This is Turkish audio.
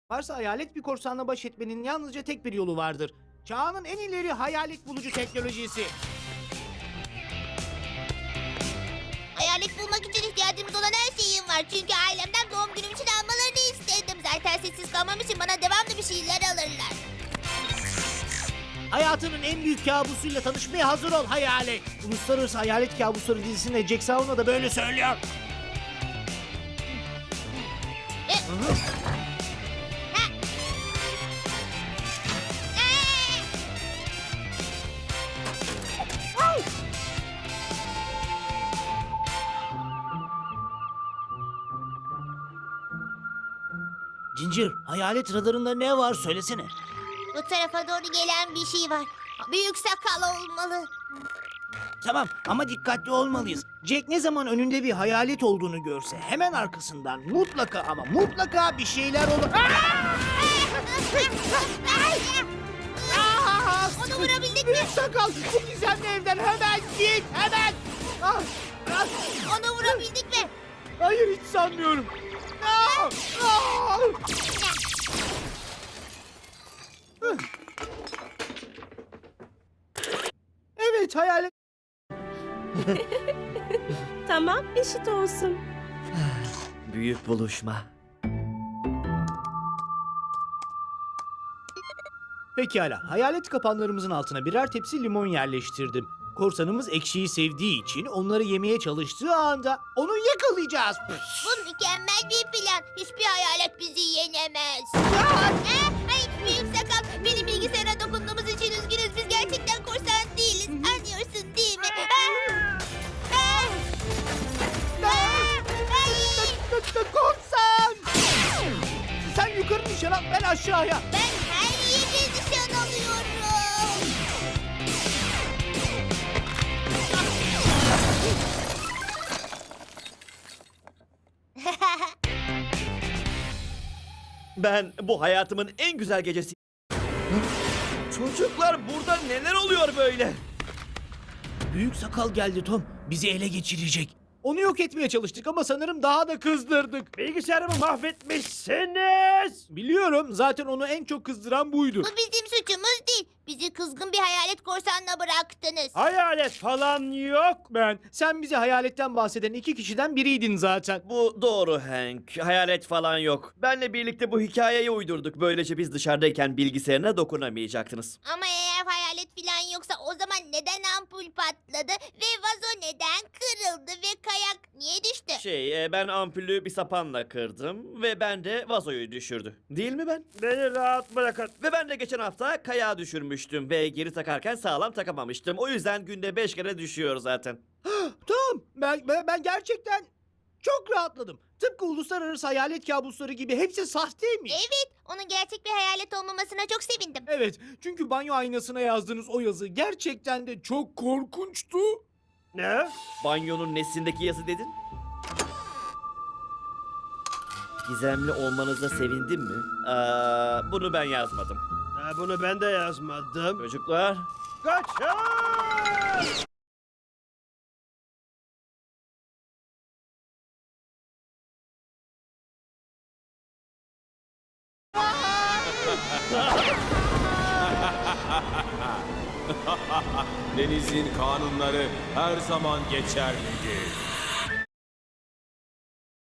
Varsa hayalet bir korsanla baş etmenin yalnızca tek bir yolu vardır. Çağının en ileri hayalet bulucu teknolojisi. Hayalet bulmak için ihtiyacımız olan her şeyim var. Çünkü ailemden doğum günüm için almalarını istedim. Zaten sessiz kalmam için bana devamlı bir şeyler alırlar. Hayatının en büyük kabusuyla tanışmaya hazır ol hayalet. Uluslararası Hayalet Kabusları dizisinde Jack Sauna da böyle söylüyor. Ginger, hayalet radarında ne var söylesene. Bu tarafa doğru gelen bir şey var. Büyük sakal olmalı. Tamam ama dikkatli olmalıyız. Jack ne zaman önünde bir hayalet olduğunu görse hemen arkasından mutlaka ama mutlaka bir şeyler olur. Onu vurabildik mi? Büyük sakal, bu gizemli evden hemen git, hemen. Ah, ah. Onu vurabildik mi? Hayır, hiç sanmıyorum. Ah, ah. Evet, hayalet. Tamam, eşit olsun. Büyük buluşma. Pekala, hayalet kapanlarımızın altına birer tepsi limon yerleştirdim. Korsanımız ekşiyi sevdiği için onları yemeye çalıştığı anda onu yakalayacağız. Bu mükemmel bir plan. Hiçbir hayalet bizi yenemez. Ay, büyük sakal. Benim bilgisayara dokunduğumuz için üzgünüz. Biz gerçekten korsan değiliz. Anlıyorsun değil mi? Korsan! Sen yukarı nişan al, ben aşağıya. Ben her yeri nişan alıyorum. Ben bu hayatımın en güzel gecesi. Çocuklar burada neler oluyor böyle? Büyük sakal geldi Tom. Bizi ele geçirecek. Onu yok etmeye çalıştık ama sanırım daha da kızdırdık. Bilgisayarımı mahvetmişsiniz. Biliyorum, zaten onu en çok kızdıran buydu. Bu bizim suçumuz değil. Bizi kızgın bir hayalet korsanla bıraktınız. Hayalet falan yok. Sen bize hayaletten bahseden iki kişiden biriydin zaten. Bu doğru Hank. Hayalet falan yok. Benle birlikte bu hikayeyi uydurduk. Böylece biz dışarıdayken bilgisayarına dokunamayacaktınız. Ama eğer hayalet falan yoksa o zaman neden ampul patladı ve vazo neden kırıldı ve kayak niye düştü? Ben ampulü bir sapanla kırdım ve ben de vazoyu düşürdü. Değil mi ben? Beni rahat bırakın. Ve ben de geçen hafta kayağı düşürmüştüm ve geri takarken sağlam takamamıştım. O yüzden günde 5 kere düşüyor zaten. Tom, ben gerçekten çok rahatladım. Tıpkı uluslararası hayalet kabusları gibi hepsi sahteymiş. Evet, onun gerçek bir hayalet olmamasına çok sevindim. Evet, çünkü banyo aynasına yazdığınız o yazı gerçekten de çok korkunçtu. Ne? Banyonun nesindeki yazı dedin? Gizemli olmanıza sevindim mi? Bunu ben yazmadım. Bunu ben de yazmadım. Çocuklar, Kaçın! Denizin kanunları her zaman geçerlidir.